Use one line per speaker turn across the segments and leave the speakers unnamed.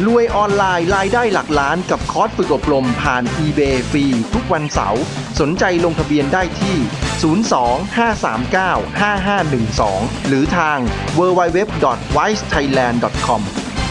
รวยออนไลน์รายได้หลักล้านกับคอร์สฝึกอบรมผ่าน eBay ฟรีทุกวันเสาร์สนใจลงทะเบียนได้ที่ 02-539-5512 หรือทาง www.wisethailand.com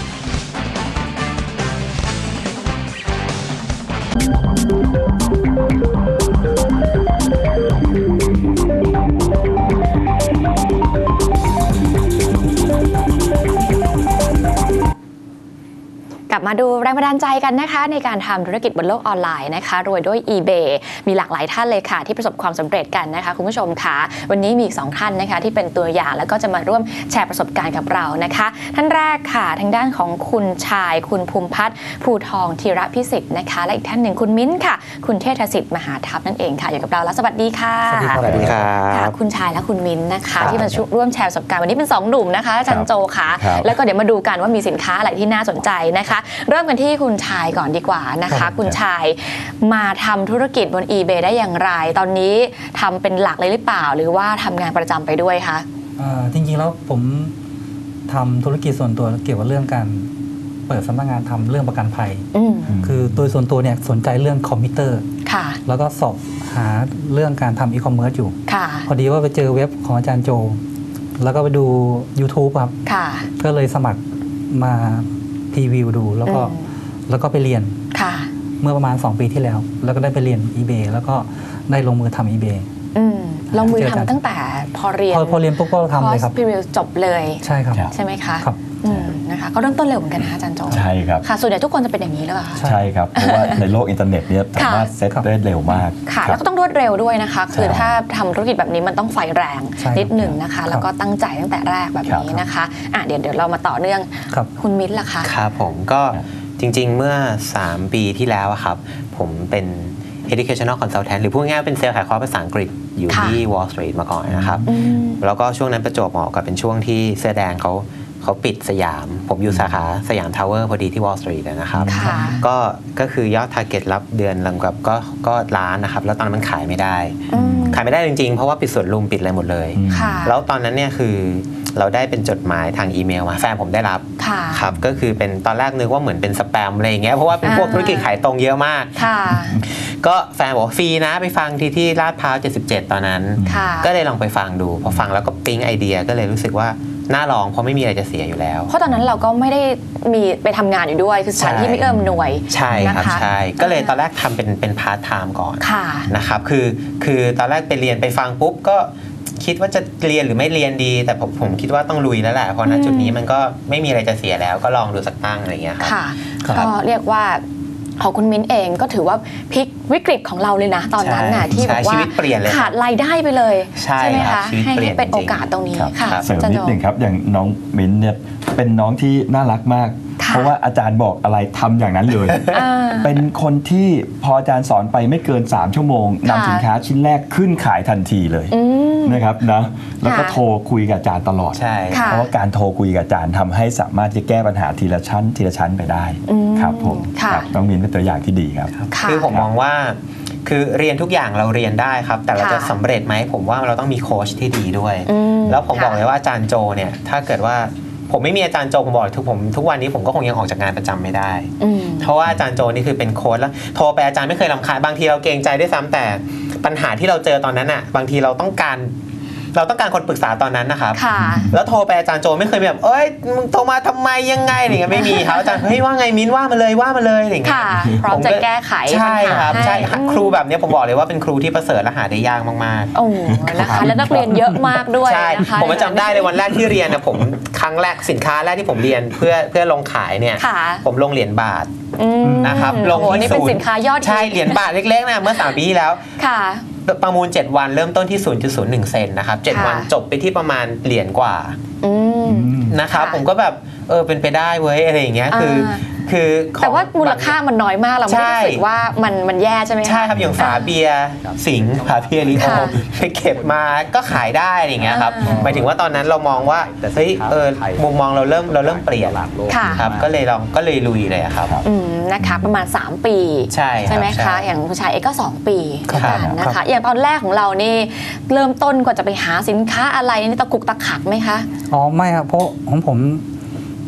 กลับมาดูแรงบันดาลใจกันนะคะในการทำธุรกิจบนโลกออนไลน์นะคะรวยด้วย eBay มีหลากหลายท่านเลยค่ะที่ประสบความสำเร็จกันนะคะคุณผู้ชมค่ะวันนี้มีอีก2ท่านนะคะที่เป็นตัวอย่างแล้วก็จะมาร่วมแชร์ประสบการณ์กับเรานะคะท่านแรกค่ะทางด้านของคุณชายคุณภูมิพัฒน์ภูทองธีระพิสิทธิ์นะคะและอีกท่านหนึ่งคุณมิ้นค่ะคุณเทศสิทธิ์มหาทัพนั่นเองค่ะอยู่กับเราแล้วสวัสดีค่ะ
สวัสดีครับ
คุณชายและคุณมิ้นนะคะที่มาร่วมแชร์ประสบการณ์วันนี้เป็น2หนุ่มนะคะอาจารย์โจค่ะแล้วก็เดี๋ยวมาดูกันว่ามีสินค้าอะไรที่น่าสนใจนะคะเริ่มกันที่คุณชายก่อนดีกว่านะคะคุณชายมาทำธุรกิจบน eBay ได้อย่างไรตอนนี้ทำเป็นหลักเลยหรือเปล่าหรือว่าทำงานประจำไปด้วยคะ
จริงๆแล้วผมทำธุรกิจส่วนตัวเกี่ยวกับเรื่องการเปิดสำนักงานทำเรื่องประกันภัยคือโดยส่วนตัวเนี่ยสนใจเรื่องคอมพิวเตอร์แล้วก็สอบหาเรื่องการทำอีคอมเมิร์ซอยู่พอดีว่าไปเจอเว็บของอาจารย์โจแล้วก็ไปดู YouTube ครับก็เลยสมัครมาพรีวิวดูแล้วก็ไปเรียนเมื่อประมาณ2 ปีที่แล้วแล้วก็ได้ไปเรียน eBay แล้วก็ได้ลงมือทำ eBay
ลงมือทำตั้งแต่พอเรียน
ปุ๊บก็ทำเลยครับ
พรีวิวจบเลย
ใช่ครับ
ใช่ไหมคะ
ครับ
นะคะก็เริ่มต้นเร็วเหมือนกันนะอาจารย์โจ
ใช่ครับ
ค่ะส่วนใหญ่ทุกคนจะเป็นอย่างนี้หรือเปล่า
ใช่ครับเพราะว่าในโลกอินเทอร์เน็ตเนี่ยสามารถเซตได้เร็วมาก
ค่ะแล้วก็ต้องรวดเร็วด้วยนะคะคือถ้าทำธุรกิจแบบนี้มันต้องไฟแรงนิดหนึ่งนะคะแล้วก็ตั้งใจตั้งแต่แรกแบบนี้นะคะเดี๋ยวเรามาต่อเนื่องคุณมิ้นท์ล่ะคะ
ครับผมก็จริงๆเมื่อ3 ปีที่แล้วครับผมเป็น educational consultant หรือพูดง่ายๆเป็นเซลล์ขายคอร์สภาษาอังกฤษอยู่ที่ Wall Street มาก่อนนะครับแล้วก็ช่วงนั้นประจวบเหมาะกับเป็นช่วงที่เสื้อแดงเขาปิดสยามผมอยู่สาขาสยามทาวเวอร์พอดีที่ Wall Street นะครับก็คือยอด target รับเดือนลำกับก็ล้านนะครับแล้วตอนนั้นมันขายไม่ได้จริงๆเพราะว่าปิดสวนลุมปิดอะไรหมดเลยแล้วตอนนั้นเนี่ยคือเราได้เป็นจดหมายทางอีเมลมาแฟนผมได้รับครับก็คือเป็นตอนแรกนึกว่าเหมือนเป็นสแปมอะไรอย่างเงี้ยเพราะว่าเป็นพวกธุรกิจขายตรงเยอะมากก็แฟนบอกฟรีนะไปฟังที่ลาดพร้าว77ตอนนั้นก็เลยลองไปฟังดูพอฟังแล้วก็ปิ๊งไอเดียก็เลยรู้สึกว่าน่าลองเพราะไม่มีอะไรจะเสียอยู่แล้ว
เพราะตอนนั้นเราก็ไม่ได้มีไปทำงานอยู่ด้วยคือสถานที่ไม่เอื้อมหน่วย
ใช่ครับใช่ก็เลยตอนแรกทำเป็นพาร์ทไทม์ก่อนนะครับคือตอนแรกไปเรียนไปฟังปุ๊บก็คิดว่าจะเรียนหรือไม่เรียนดีแต่ผมคิดว่าต้องลุยแล้วแหละเพราะณจุดนี้มันก็ไม่มีอะไรจะเสียแล้วก็ลองดูสักตั้งอะไรอย่างเงี้ยครับ
ก็เรียกว่าของคุณมิ้นเองก็ถือว่าพลิกวิกฤตของเราเลยนะตอนนั้นน่ะที่บอกว่าขาดรายได้ไปเลยใช่ไหมคะให้เป็นโอกาสตรงนี้ค่ะ
เสริมนิดหนึ่งครับอย่างน้องมิ้นเนี่ยเป็นน้องที่น่ารักมากเพราะว่าอาจารย์บอกอะไรทำอย่างนั้นเลยเป็นคนที่พออาจารย์สอนไปไม่เกิน3 ชั่วโมงนำสินค้าชิ้นแรกขึ้นขายทันทีเลยนะครับนะแล้วก็โทรคุยกับอาจารย์ตลอดเพราะว่าการโทรคุยกับอาจารย์ทำให้สามารถจะแก้ปัญหาทีละชั้นไปได้ครับผมน้องมิ้นเป็นตัวอย่างที่ดีครับ
คือผมมองว่าคือเรียนทุกอย่างเราเรียนได้ครับแต่เราจะสำเร็จไหมผมว่าเราต้องมีโค้ชที่ดีด้วยแล้วผมบอกเลยว่าอาจารย์โจเนี่ยถ้าเกิดว่าผมไม่มีอาจารย์โจผมบอกทุกวันนี้ผมก็คงยังออกจากงานประจำไม่ได้เพราะว่าอาจารย์โจนี่คือเป็นโค้ชแล้วโทรไปอาจารย์ไม่เคยรำคาญบางทีเราเกรงใจด้วยซ้ำแต่ปัญหาที่เราเจอตอนนั้นอ่ะบางทีเราต้องการคนปรึกษาตอนนั้นนะครับแล้วโทรไปอาจารย์โจไม่เคยแบบเอ้ยมึงโทรมาทำไมยังไงอะไรเงี้ยไม่มีครับอาจารย์เฮ้ยว่าไงมิ้นว่ามาเลยอะไรเงี้ย
พร้อมจะแก้ไข
ใช่ครับใช่ครูแบบนี้ผมบอกเลยว่าเป็นครูที่ประเสริฐและหาได้ยากมาก
ๆโอ้นะคะแล้วนักเรียนเยอะมากด้วยนะคะ
ผมจำได้เลยวันแรกที่เรียนนะผมครั้งแรกสินค้าแรกที่ผมเรียนเพื่อลงขายเนี่ยผมลงเหรียญบาทนะครับลง
ที่ศูนย์นี่เป็นสินค้ายอด
ใช่เหรียญบาทเล็กๆนะเมื่อ3 ปีที่แล้วประมูล7 วันเริ่มต้นที่ 0.01 เซนนะครับ7 วันจบไปที่ประมาณเหรียญกว่านะครับผมก็แบบเป็นไปได้เว้ยอะไรอย่างเงี้ยคือ
แต่ว่ามูลค่ามันน้อยมากเราไม่รู้สึกว่ามันแย่ใช่ไหม
ใช่ครับอย่างฝาเบียร์สิงห์ฝาเบียร์ลิโอไปเก็บมาก็ขายได้อย่างเงี้ยครับหมายถึงว่าตอนนั้นเรามองว่าเฮ้ยมุมมองเราเริ่มเปลี่ยนครับก็เลยลุยเลยครับ
นะคะประมาณ3 ปีใช่ไหมคะอย่างผู้ชายเองก็2 ปีกันนะคะอย่างตอนแรกของเรานี่เริ่มต้นกว่าจะไปหาสินค้าอะไรนี่ตะกุกตะขักไหมคะ
อ๋อไม่ครับเพราะของผม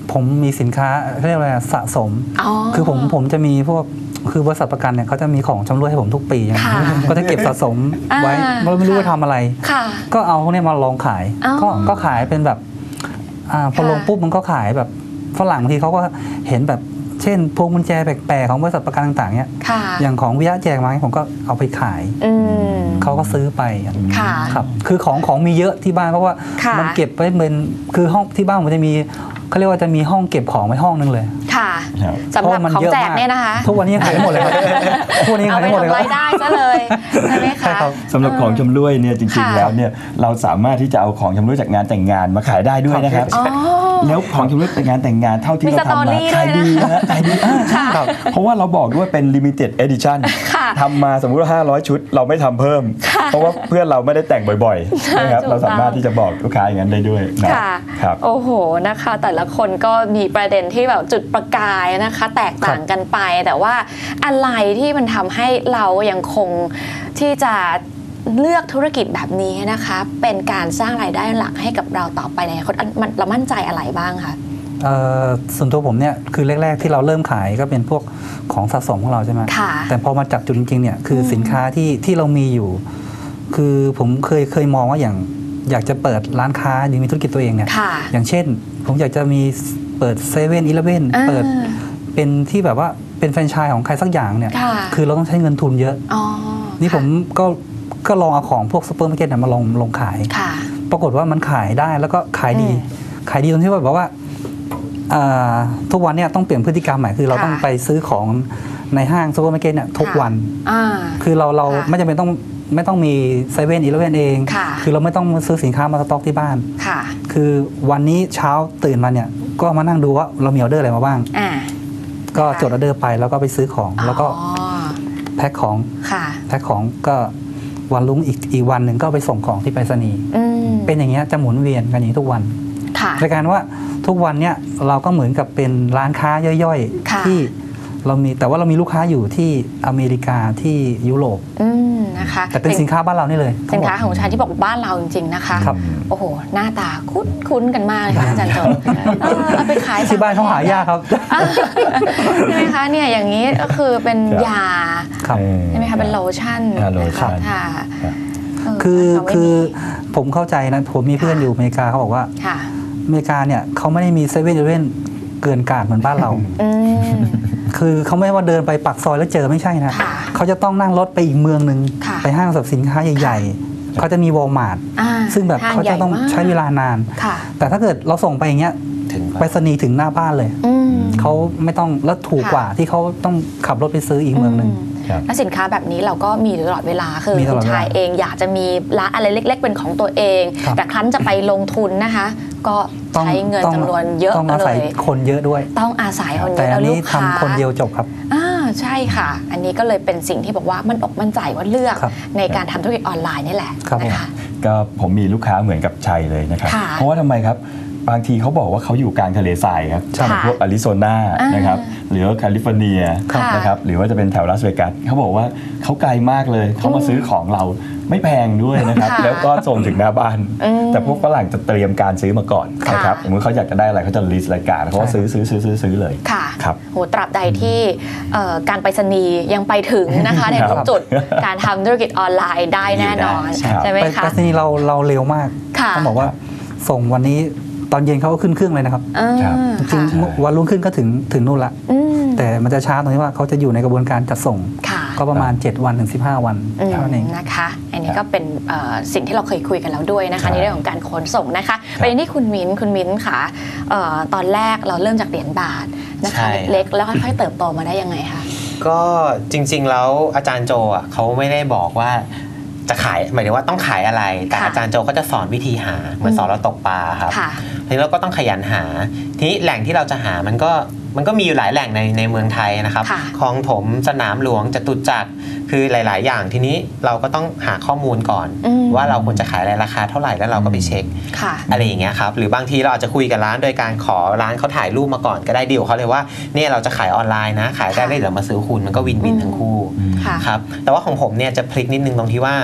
ผมมีสินค้าเรียกว่าสะสมคือผมจะมีพวกคือบริษัทประกันเนี่ยเขาจะมีของชำร่วยให้ผมทุกปีก็จะเก็บสะสมไว้ไม่รู้ว่าทำอะไรก็เอาพวกนี้มาลองขายก็ขายเป็นแบบพอลงปุ๊บมันก็ขายแบบฝรั่งบางทีเขาก็เห็นแบบเช่นพวงกุญแจแปลกๆของบริษัทประกันต่างๆเนี่ยอย่างของวิยะแจกมาผมก็เอาไปขายเขาก็ซื้อไปครับคือของมีเยอะที่บ้านเพราะว่ามันเก็บไว้เป็นคือห้องที่บ้านมันจะมีเขาเรียกว่าจะมีห้องเก็บของไว้ห้องนึงเลย
ค่ะสำหรับของแจกเนี่ยนะคะ
ทุกวันนี้ขายหมดเลยทุกวันนี้ขายหมดเลย
เอาไปทำรายได้ซะเลยใช่ไหมคะ
สำหรับของชำร่วยเนี่ยจริงๆแล้วเนี่ยเราสามารถที่จะเอาของชำร่วยจากงานแต่งงานมาขายได้ด้วยนะครับแล้วของชำร่วยจากงานแต่งงานเท่าที่เราทำมาขายดีนะขายดีเพราะว่าเราบอกด้วยเป็น limited edition ทำมาสมมุติว่า500 ชุดเราไม่ทำเพิ่มเพราะว่าเพื่อนเราไม่ได้แต่งบ่อยๆนะครับเราสามารถที่จะบอกลูกค้าอย่างนั้นได้ด้วยนะครับ
โอ้โหนะคะแต่ละคนก็มีประเด็นที่แบบจุดประกายนะคะแตกต่างกันไปแต่ว่าอะไรที่มันทำให้เรายังคงที่จะเลือกธุรกิจแบบนี้นะคะเป็นการสร้างรายได้หลักให้กับเราต่อไปในอนาคตเรามั่นใจอะไรบ้างคะ
ส่วนตัวผมเนี่ยคือแรกๆที่เราเริ่มขายก็เป็นพวกของสะสมของเราใช่ไหมแต่พอมาจับจุดจริงๆเนี่ยคือสินค้าที่เรามีอยู่คือผมเคยมองว่าอย่างอยากจะเปิดร้านค้าหรือมีธุรกิจตัวเองเนี่ยอย่างเช่นผมอยากจะมีเปิด7-11เปิดเป็นที่แบบว่าเป็นแฟรนไชส์ของใครสักอย่างเนี่ยคือเราต้องใช้เงินทุนเยอะนี่ผมก็ลองเอาของพวกซุปเปอร์มาร์เก็ตมาลงขายปรากฏว่ามันขายได้แล้วก็ขายดีตรงที่ว่าแบบว่าทุกวันเนี่ยต้องเปลี่ยนพฤติกรรมใหม่คือเราต้องไปซื้อของในห้างซุปเปอร์มาร์เก็ตเนี่ยทุกวันคือเราไม่จำเป็นไม่ต้องมี7-11เองคือเราไม่ต้องซื้อสินค้ามาสต็อกที่บ้านคือวันนี้เช้าตื่นมาเนี่ยก็มานั่งดูว่าเรามีออเดอร์อะไรมาบ้างก็จดออเดอร์ไปแล้วก็ไปซื้อของแล้วก็แพ็คของก็วันรุ่งอีกวันหนึ่งก็ไปส่งของที่ไปรษณีย์เป็นอย่างเงี้ยจะหมุนเวียนกันอย่างนี้ทุกวันในการว่าทุกวันเนี่ยเราก็เหมือนกับเป็นร้านค้าย่อยๆที่เรามีแต่ว่าเรามีลูกค้าอยู่ที่อเมริกาที่ยุโรป
นะคะ
แต่เป็นสินค้าบ้านเรานี่เลย
สินค้าของชาที่บอกบ้านเราจริงๆนะคะโอ้โหหน้าตาคุ้นกันมากเลยค่ะอาจารย์โจเอาไปขาย
ที่บ้านเขาหายากครับ
ใช่ไหมคะเนี่ยอย่างนี้ก็คือเป็นยาใช่ไหมคะเป็นโลชั่นค่ะ
คือผมเข้าใจนะผมมีเพื่อนอยู่อเมริกาเขาบอกว่าอเมริกาเนี่ยเขาไม่ได้มี7-11เกินกาดเหมือนบ้านเราคือเขาไม่ว่าเดินไปปักซอยแล้วเจอไม่ใช่นะเขาจะต้องนั่งรถไปอีกเมืองหนึ่งไปห้างสรรพสินค้าใหญ่ๆเขาจะมีวอลมาร์ทซึ่งแบบเขาจะต้องใช้เวลานานแต่ถ้าเกิดเราส่งไปอย่างเงี้ยไปรษณีย์ถึงหน้าบ้านเลยเขาไม่ต้องแล้วถูกกว่าที่เขาต้องขับรถไปซื้ออีกเมืองหนึ่ง
และสินค้าแบบนี้เราก็มีตลอดเวลาคือคุณชายเองอยากจะมีร้านอะไรเล็กๆเป็นของตัวเองแต่ครั้นจะไปลงทุนนะคะก็ใช้เงินจำนวนเยอะเลย
ต้องอาศัยคนเยอะด้วย
ต้องอาศัยคนเยอะ
แล้วลูกค้าทำคนเดียวจบครับ
ใช่ค่ะอันนี้ก็เลยเป็นสิ่งที่บอกว่ามันอกมั่นใจว่าเลือกในการทำธุรกิจออนไลน์นี่แหละนะคะ
ก็ผมมีลูกค้าเหมือนกับชัยเลยนะครับเพราะว่าทำไมครับบางทีเขาบอกว่าเขาอยู่กลางทะเลทรายครับพวกอาริโซนานะครับหรือแคลิฟอร์เนียนะครับหรือว่าจะเป็นแถวลาสเวกัสเขาบอกว่าเขาไกลมากเลยเขามาซื้อของเราไม่แพงด้วยนะครับแล้วก็ส่งถึงหน้าบ้านแต่พวกฝรั่งจะเตรียมการซื้อมาก่อนนะครับสมมติเขาอยากจะได้อะไรเขาจะลิสต์รายการเขาก็ซื้อเลย
ค่ะครับโหตราบใดที่การไปรษณีย์ยังไปถึงนะคะในทุกจุดการทำธุรกิจออนไลน์ได้แน่นอนใช่ไหมคะ
ไปรษณีย์เราเร็วมากต้องบอกว่าส่งวันนี้ตอนเย็นเขาก็ขึ้นเครื่องเลยนะครับจริงวันรุ่งขึ้นก็ถึงนู่นละแต่มันจะช้าตรงที่ว่าเขาจะอยู่ในกระบวนการจัดส่งก็ประมาณ7 วันถึง15 วันเท่านั้นเอง
นะคะอันนี้ก็เป็นสิ่งที่เราเคยคุยกันแล้วด้วยนะคะในเรื่องของการขนส่งนะคะประเด็นที่คุณมิ้นค่ะตอนแรกเราเริ่มจากเหรียญบาทนะคะเล็กแล้วค่อยๆเติบโตมาได้ยังไงคะ
ก็จริงๆแล้วอาจารย์โจอ่ะเขาไม่ได้บอกว่าจะขายหมายถึงว่าต้องขายอะไรแต่อาจารย์โจก็จะสอนวิธีหาเหมือนสอนเราตกปลาครับทีนี้เราก็ต้องขยันหาทีนี้แหล่งที่เราจะหามันก็มีอยู่หลายแหล่งในเมืองไทยนะครับคลองถมสนามหลวงจตุจักรคือหลายๆอย่างทีนี้เราก็ต้องหาข้อมูลก่อนว่าเราควรจะขายอะไรราคาเท่าไหร่แล้วเราก็ไปเช็คอะไรอย่างเงี้ยครับหรือบางทีเราอาจจะคุยกับร้านโดยการขอร้านเขาถ่ายรูปมาก่อนก็ได้ดีลเขาเลยว่าเนี่ยเราจะขายออนไลน์นะขายได้เลยเดี๋ยวมาซื้อคุณมันก็วินทั้งคู่ครับแต่ว่าของผมเนี่ยจะพลิกนิดนึงตรงที่ว่า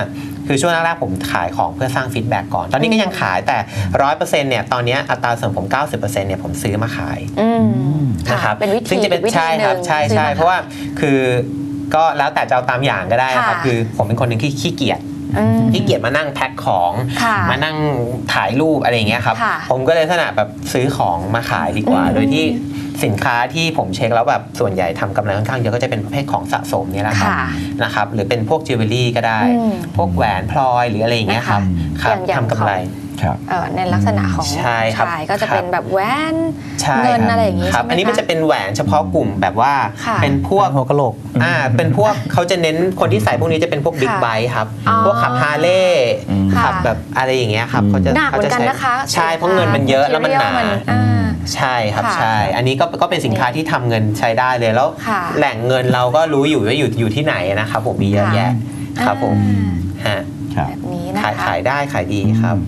คือช่วงแรกๆผมขายของเพื่อสร้างฟีดแบ็กก่อนตอนนี้ก็ยังขายแต่ 100% เนี่ยตอนนี้อัตราส่วนผม 90% เนี่ยผมซื้อมาขายนะครับ
เป็นวิธี
ซึ่งจะเป็นใช่ครับใช่เพราะว่าคือก็แล้วแต่จะเอาตามอย่างก็ได้นะครับคือผมเป็นคนหนึ่งที่ขี้เกียจมานั่งแพ็คของมานั่งถ่ายรูปอะไรอย่างเงี้ยครับผมก็เลยลักษณะแบบซื้อของมาขายดีกว่าโดยที่สินค้าที่ผมเช็คแล้วแบบส่วนใหญ่ทำกำไรค่อนข้างเยอะก็จะเป็นประเภทของสะสมเนี่ยแหละครับนะครับหรือเป็นพวกจิวเวลรี่ก็ได้พวกแหวนพลอยหรืออะไรอย่างเงี้ยครับทำกำไร
ในลักษณะของชายก็จะเป็นแบบแหวนเงินอะไรอย่างงี้
ครับอันนี้มันจะเป็นแหวนเฉพาะกลุ่มแบบว่าเป็นพวก
หัวกะโหลก
เป็นพวกเขาจะเน้นคนที่ใส่พวกนี้จะเป็นพวกบิ๊กไบค์ครับพวกขับฮาร์เลย์ขับแบบอะไรอย่างเงี้ยครับเขาจะใช่เพราะเงินมันเยอะแล้วมันหนาใช่ครับใช่อันนี้ก็เป็นสินค้าที่ทำเงินใช้ได้เลยแล้วแหล่งเงินเราก็รู้อยู่ว่าอยู่ที่ไหนนะครับผมมีเยอะแยะครับผมฮะ
แบบนี้นะคะ
ขายได้ขายดีครับ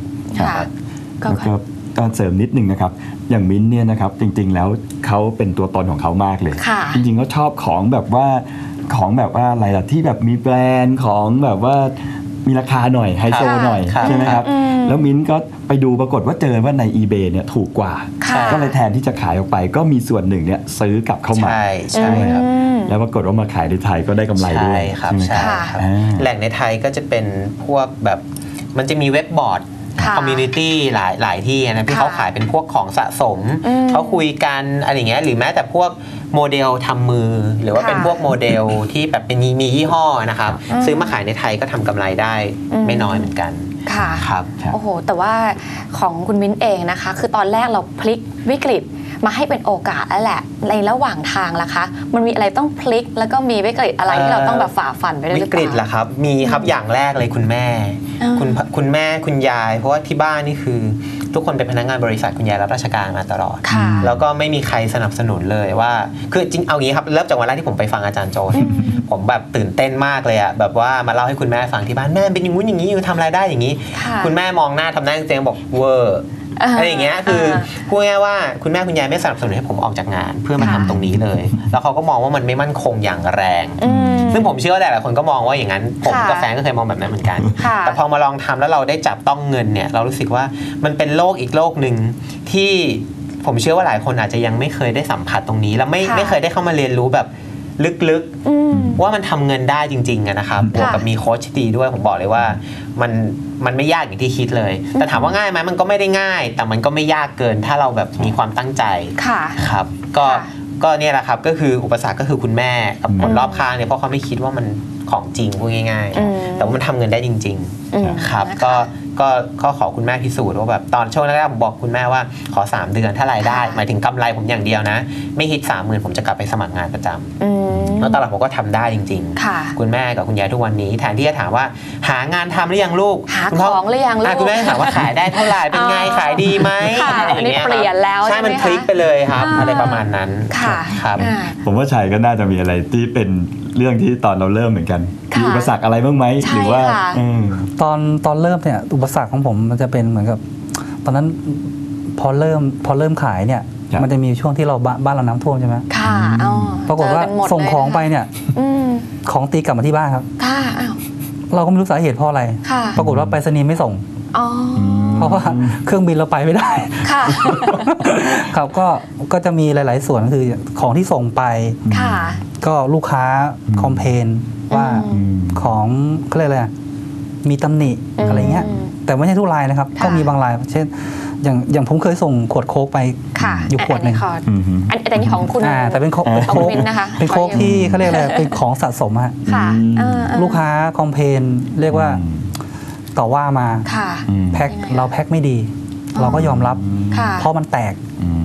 ก็เสริมนิดนึงนะครับอย่างมิ้นเนี่ยนะครับจริงๆแล้วเขาเป็นตัวตนของเขามากเลยจริงๆเขาชอบของแบบว่าอะไรล่ะที่แบบมีแบรนด์ของแบบว่ามีราคาหน่อยไฮโซหน่อยใช่ไหมครับแล้วมิ้นก็ไปดูปรากฏว่าเจอว่าใน eBay เนี่ยถูกกว่าก็เลยแทนที่จะขายออกไปก็มีส่วนหนึ่งเนี่ยซื้อกลับเข้ามา
ใช่ครับ
แล้วปรากฏว่ามาขายในไทยก็ได้กำไรด้วย
ใช่ครับแหล่งในไทยก็จะเป็นพวกแบบมันจะมีเว็บบอร์ดคอมมูนิตี้หลายที่นะที่เขาขายเป็นพวกของสะสมเขาคุยกันอะไรเงี้ยหรือแม้แต่พวกโมเดลทำมือหรือว่าเป็นพวกโมเดลที่แบบเป็นมียี่ห้อนะครับซื้อมาขายในไทยก็ทำกำไรได้ไม่น้อยเหมือนกัน
ค่ะ
ครับ
โอ้โหแต่ว่าของคุณมิ้นเองนะคะคือตอนแรกเราพลิกวิกฤตมาให้เป็นโอกาสแล้วแหละในระหว่างทางล่ะคะมันมีอะไรต้องพลิกแล้วก็มีวิกฤตอะไรที่เราต้องแบบฝ่าฟันไปด้วยหรือเปล่า
วิกฤตล่ะครับมีครับอย่างแรกเลยคุณแม่คุณยายเพราะว่าที่บ้านนี่คือทุกคนเป็นพนักงานบริษัทคุณยายรับราชการมาตลอดแล้วก็ไม่มีใครสนับสนุนเลยว่าคือจริงเอางี้ครับเริ่มจากวันแรกที่ผมไปฟังอาจารย์โจผมแบบตื่นเต้นมากเลยอะแบบว่ามาเล่าให้คุณแม่ฟังที่บ้านแม่เป็นอย่างงู้นอย่างนี้อยู่ทำรายได้อย่างนี้คุณแม่มองหน้าทำหน้าเจ๊งบอกเวอร์อะไรอย่างเงี้ยคือพูดง่ายๆว่าคุณแม่คุณยายไม่สนับสนุนให้ผมออกจากงานเพื่อมาทำตรงนี้เลยแล้วเขาก็มองว่ามันไม่มั่นคงอย่างแรงซึ่งผมเชื่อว่าหลายคนก็มองว่าอย่างนั้นผมกับแฟนก็เคยมองแบบนั้นเหมือนกันแต่พอมาลองทำแล้วเราได้จับต้องเงินเนี่ยเรารู้สึกว่ามันเป็นโลกอีกโลกหนึ่งที่ผมเชื่อว่าหลายคนอาจจะยังไม่เคยได้สัมผัสตรงนี้แล้วไม่เคยได้เข้ามาเรียนรู้แบบลึกๆว่ามันทำเงินได้จริงๆนะครับบวกกับมีโค้ชดีด้วยผมบอกเลยว่ามันไม่ยากอย่างที่คิดเลยแต่ถามว่าง่ายไหมมันก็ไม่ได้ง่ายแต่มันก็ไม่ยากเกินถ้าเราแบบมีความตั้งใจครับก็เนี่ยแหละครับก็คืออุปสรรคก็คือคุณแม่กับคนรอบข้างเนี่ยเพราะเขาไม่คิดว่ามันของจริงพูดง่ายๆแต่ว่ามันทำเงินได้จริงๆครับก็ขอคุณแม่พิสูจน์ว่าแบบตอนช่วงแรกๆผมบอกคุณแม่ว่าขอ3 เดือนถ้ารายได้หมายถึงกำไรผมอย่างเดียวนะไม่ฮิต 30,000 ผมจะกลับไปสมัครงานประจำแล้วตอนหลังผมก็ทำได้จริงๆคุณแม่กับคุณยายทุกวันนี้แทนที่จะถามว่าหางานทำหรือยังลูก
หาของหรือยังลูก
คุณแม่ถามว่าขายได้เท่าไหร่เป็นไงขายดีไหมอะไรอย่างเงี้ย
เปลี่ยนแล้ว
ใช่มันพลิกไปเลยครับอะไรประมาณนั้นครับ
ผมว่าชัยก็น่าจะมีอะไรที่เป็นเรื่องที่ตอนเราเริ่มเหมือนกันมีอุปสรรคอะไรบ้างไหมหรือว่า
ตอนเริ่มเนี่ยอุปสรรคของผมมันจะเป็นเหมือนกับตอนนั้นพอเริ่มขายเนี่ยมันจะมีช่วงที่เราบ้านเราน้ำท่วมใช่ไหม
ค่ะ
ปรากฏว่าส่งของไปเนี่ยของตีกลับมาที่บ้านครับเราก็ไม่รู้สาเหตุเพราะอะไรปรากฏว่าไปรษณีย์ไม่ส่งเพราะว่าเครื่องบินเราไปไม่ได้ครับก็จะมีหลายๆส่วนคือของที่ส่งไปก็ลูกค้าคอมเพลนว่าของเขาเรียกอะไรมีตำหนิอะไรเงี้ยแต่ไม่ใช่ทุกรายนะครับก็มีบางรายเช่นอย่างผมเคยส่งขวดโค้กไปอยู่ขวดหนึ่ง
แต่นี่ของคุณ
แต่เป็นโค้กเป็นโค้กที่เขาเรียกอะไรเป็นของสะสมฮะลูกค้าคอมเพลนเรียกว่าต่อว่ามาแพ็คเราแพ็คไม่ดีเราก็ยอมรับเพราะมันแตก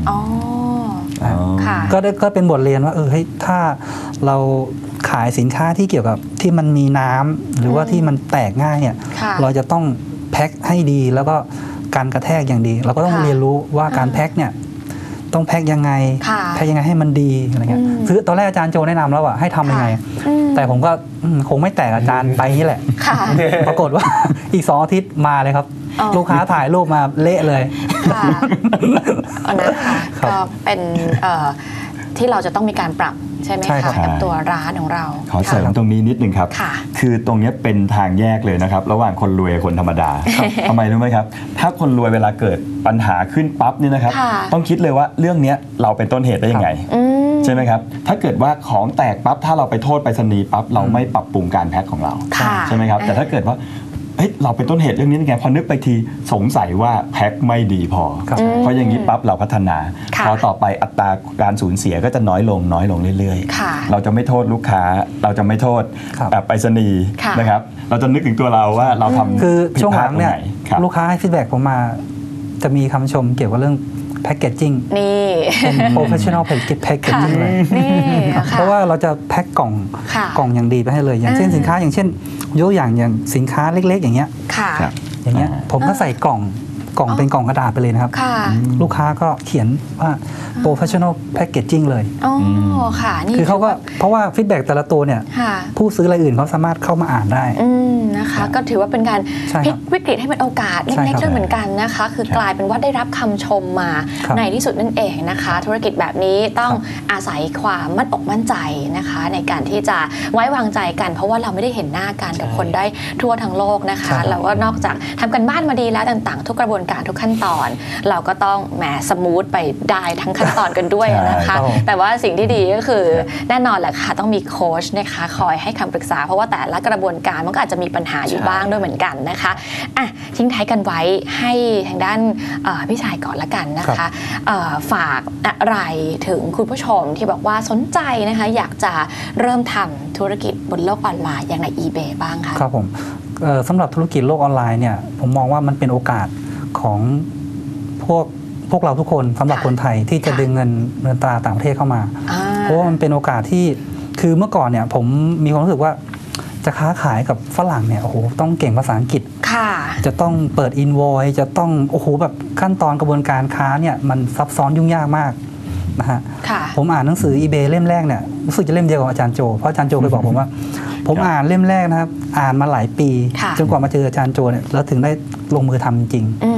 ก็เป็นบทเรียนว่าเฮ้ยถ้าเราขายสินค้าที่เกี่ยวกับที่มันมีน้ำหรือว่าที่มันแตกง่ายเนี่ยเราจะต้องแพ็คให้ดีแล้วก็การกระแทกอย่างดีเราก็ต้องเรียนรู้ว่าการแพ็คเนี่ยต้องแพ็คยังไงให้มันดีอะไรเงี้ยคือตอนแรกอาจารย์โจแนะนำแล้วว่าให้ทำยังไงแต่ผมก็คงไม่แตกอาจารย์ไปนี่แหละปรากฏว่าอีก2 อาทิตย์มาเลยครับลูกค้าถ่ายรูปมาเละเลย
นะคะก็เป็นที่เราจะต้องมีการปรับใช่ไหม
ใช่ครั
คะ
บ
กับตัวร้านของเรา
ขอเสริมตรงนี้นิดนึงครับ
ค่ะ
คือตรงนี้เป็นทางแยกเลยนะครับ ระหว่างคนรวยกับคนธรรมดาทำไมรู้ไหมครับ ถ้าคนรวยเวลาเกิดปัญหาขึ้นปั๊บเนี่ยนะครับ
ค่ะ
ต้องคิดเลยว่าเรื่องนี้เราเป็นต้นเหตุได้ยังไง ใช่ไหมครับ ถ้าเกิดว่าของแตกปั๊บถ้าเราไปโทษไปรษณีย์ปั๊บเราไม่ปรับปรุงการแพ็คของเรา
ค่ะ
ใช่ไหมครับ แต่ถ้าเกิดว่าเฮ้ยเราเป็นต้นเหตุเรื่องนี้ยังไงพอนึกไปทีสงสัยว่าแพ็คไม่ดีพอ
ครับ
เพราะอย่างนี้ปั๊บเราพัฒนา
ค่ะ
พอต่อไปอัตราการสูญเสียก็จะน้อยลงเรื่อย
ค่ะ
ๆ เราจะไม่โทษลูกค้า เราจะไม่โทษ
ครับ
ไปรษณีย์
ค่ะ
นะครับ เราจะนึกถึงตัวเราว่าเราทำ
คือ
ผิด
ช่วง
พ
ห
ลา
ลั
ด
ง
ตรง
เนี่ย
ไหนครับ
ลูกค้าให้ฟีดแบ็กผมมาจะมีคำชมเกี่ยวกับเรื่องแพคเกจจิ้ง
นี่
เป็น professional packaging เลย
นี่ค่ะ
เพราะว่าเราจะแพ็คกล่อง
ค่ะ
กล่องอย่างดีไปให้เลย อย่างเช่นสินค้าอย่างเช่นยกอย่างสินค้าเล็ก ๆ อย่างเงี้ย
ค่ะ
ครับ
อย่างเงี้ยผมก็ใส่กล่องเป็นกล่องกระดาษไปเลยนะครับ
ค่ะ
ลูกค้าก็เขียนว่า professional packaging เลย
อ๋อค่ะนี่
คือเขาก็เพราะว่าฟีดแบ็กแต่ละตัวเนี่ย
ค่ะ
ผู้ซื้อรายอื่นเขาสามารถเข้ามาอ่านได้
นะคะ ก็ถือว่าเป็นการ
ใช่
พลิ
ครั
ก
บ
วิกฤตให้เป็นโอกาส
ใช่
เล็ก
ครับ
ๆด้วยเหมือนกันนะคะ คือกลายเป็นว่าได้รับคำชมมา
ครับ
ในที่สุดนั่นเองนะคะ ธุรกิจแบบนี้ต้อง
ครับ
อาศัยความมั่นอกมั่นใจนะคะ ในการที่จะไว้วางใจกัน เพราะว่าเราไม่ได้เห็นหน้ากันกับคนได้ทั่วทั้งโลกนะคะ
ใช่ครับ
เราก็นอกจากทำกันบ้านมาดีแล้วต่างๆ ทุกกระบวนการทุกขั้นตอน เราก็ต้องแหมสมูทไปได้ทั้งขั้นตอนกันด้วยนะคะ
ใช่ครับ
แต่ว่าสิ่งที่ดีก็คือแน่นอนแหละค่ะต้องมีโค้ชนะคะคอยให้คำปรึกษาเพราะว่าแต่ละกระบวนการมันก็อาจจะมีปัญหาอยู่บ้างด้วยเหมือนกันนะคะอ่ะทิ้งท้ายกันไว้ให้ทางด้านพี่ชายก่อนละกันนะคะฝากอะไรถึงคุณผู้ชมที่บอกว่าสนใจนะคะอยากจะเริ่มทำธุรกิจบนโลกออนไลน์อย่างใน eBay บ้างคะ
ครับผมสำหรับธุรกิจโลกออนไลน์เนี่ยผมมองว่ามันเป็นโอกาสของพวกเราทุกคนสำหรับคนไทยที่จะดึงเงินตราต่างประเทศเข้ามา เพราะว่ามันเป็นโอกาสที่คือเมื่อก่อนเนี่ยผมมีความรู้สึกว่าจะค้าขายกับฝรั่งเนี่ยโอ้โหต้องเก่งภาษาอังกฤษ
ค่ะ
จะต้องเปิดอินโวยจะต้องโอ้โหแบบขั้นตอนกระบวนการค้าเนี่ยมันซับซ้อนยุ่งยากมากนะฮะ
ค่ะ
ผมอ่านหนังสือ eBay เล่มแรกเนี่ยรู้สึกจะเล่มเดียวกับอาจารย์โจเพราะอาจารย์โจเคยบอกผมว่า ผมอ่านเล่มแรกนะครับอ่านมาหลายปี
ค่ะ
จนกว่ามาเจออาจารย์โจเนี่ยแล้วถึงได้ลงมือทำจริง
อืม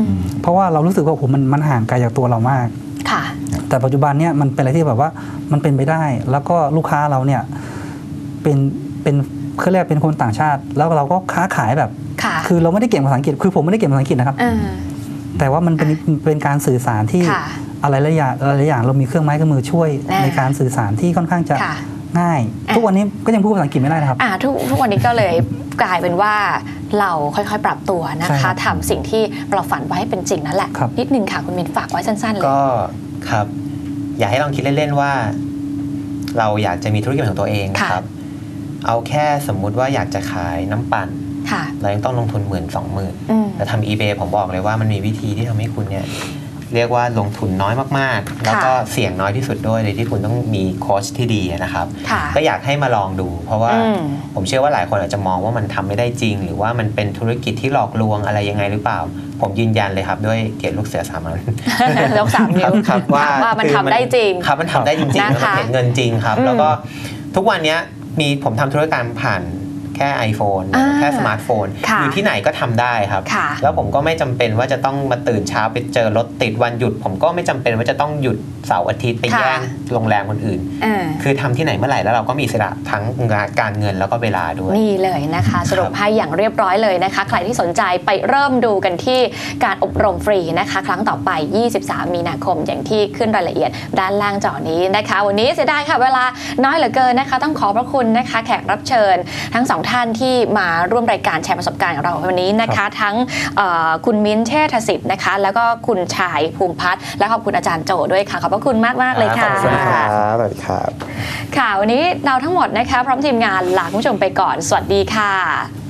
ค่ะ
แต่ปัจจุบันเนี่ยมันเป็นอะไรที่แบบว่ามันเป็นไปได้ แล้วก็ลูกค้าเราเนี่ยเป็นเขาเรียกเป็นคนต่างชาติ แล้วเราก็ค้าขายแบบ
ค่ะ
คือเราไม่ได้เก่งภาษาอังกฤษคือผมไม่ได้เก่งภาษาอังกฤษนะครับ แต่ว่ามันเป็นการสื่อสารที่
ค่ะ
อะไรหลายอย่างเรามีเครื่องไม้เครื่องมือช่วย
อ่า
ในการสื่อสารที่ค่อนข้างจะ
ค่ะ
ง่าย ทุกวันนี้ก็ยังพูดภาษาอังกฤษไม่ได้นะครับ
ทุกวันนี้ก็เลยกลายเป็นว่าเราค่อยๆ ปรับตัวนะ
ใช่ครั
คะ
บ
ทำสิ่งที่เราฝันไว้ให้เป็นจริงนั่นแหละ
ครับ
นิดนึงค่ะคุณมินฝากไว้สั้นๆเลย
ก็ครับ อยากให้ลองคิดเล่นๆว่า เราอยากจะมีธุรกิจของตัวเอง
ค่ะ
ครับ เอาแค่สมมุติว่าอยากจะขายน้ำปั่น
ค่ะ
เรายังต้องลงทุน10,000-20,000
อืม
แต่ทำ eBay ผมบอกเลยว่ามันมีวิธีที่ทำให้คุณเนี่ยเรียกว่าลงทุนน้อยมากๆ แล้วก็เสี่ยงน้อยที่สุดด้วยโดยที่คุณต้องมีโค้ชที่ดีนะครับ
ค่ะ
ก็อยากให้มาลองดู เพราะว่า
อืม
ผมเชื่อว่าหลายคนอาจจะมองว่ามันทำไม่ได้จริง หรือว่ามันเป็นธุรกิจที่หลอกลวงอะไรยังไงหรือเปล่า ผมยืนยันเลยครับด้วยเกียรติลูกเสือสามัญ
ยก3 นิ้ว
ครับว่า
มัน
คือ
ทำได้จริง
ครับมันทำได้จริงๆ
นะคะ
แล้วมันเห็นเงินจริงครับ
อืม
แล้วก็ทุกวันเนี้ยผมทำธุรกรรมผ่านแค่ iPhone แค่สมาร์ทโฟน
ค่ะ
อยู่ที่ไหนก็ทำได้ครับ
ค่ะ
แล้วผมก็ไม่จำเป็นว่าจะต้องมาตื่นเช้าไปเจอรถติดวันหยุด ผมก็ไม่จำเป็นว่าจะต้องหยุดเสาร์อาทิตย์ไป
ค่ะ
แย่งโรงแรมคนอื่น คือทำที่ไหนเมื่อไหร่แล้วเราก็มีอิสระทั้งการเงินแล้วก็เวลาด้วย
นี่เลยนะคะ สรุปให้อย่างเรียบร้อยเลยนะคะ ใครที่สนใจไปเริ่มดูกันที่การอบรมฟรีนะคะ ครั้งต่อไป 23 มีนาคมอย่างที่ขึ้นรายละเอียดด้านล่างจอนี้นะคะ วันนี้เสียดายค่ะเวลาน้อยเหลือเกินนะคะ ต้องขอบพระคุณนะคะแขกรับเชิญทั้งสองท่านที่มาร่วมรายการแชร์ประสบการณ์ของเราวันนี้นะคะ ทั้งคุณมิ้นท์เชษฐศิษย์นะคะ แล้วก็คุณชายภูมิพัฒน์และขอบคุณอาจารย์โจด้วยค่ะขอบพระคุณมากๆเลยค่ะ
ขอบคุณครับสวัสดีครับ
ค่ะวันนี้เราทั้งหมดนะคะพร้อมทีมงานลาคุณผู้ชมไปก่อนสวัสดีค่ะ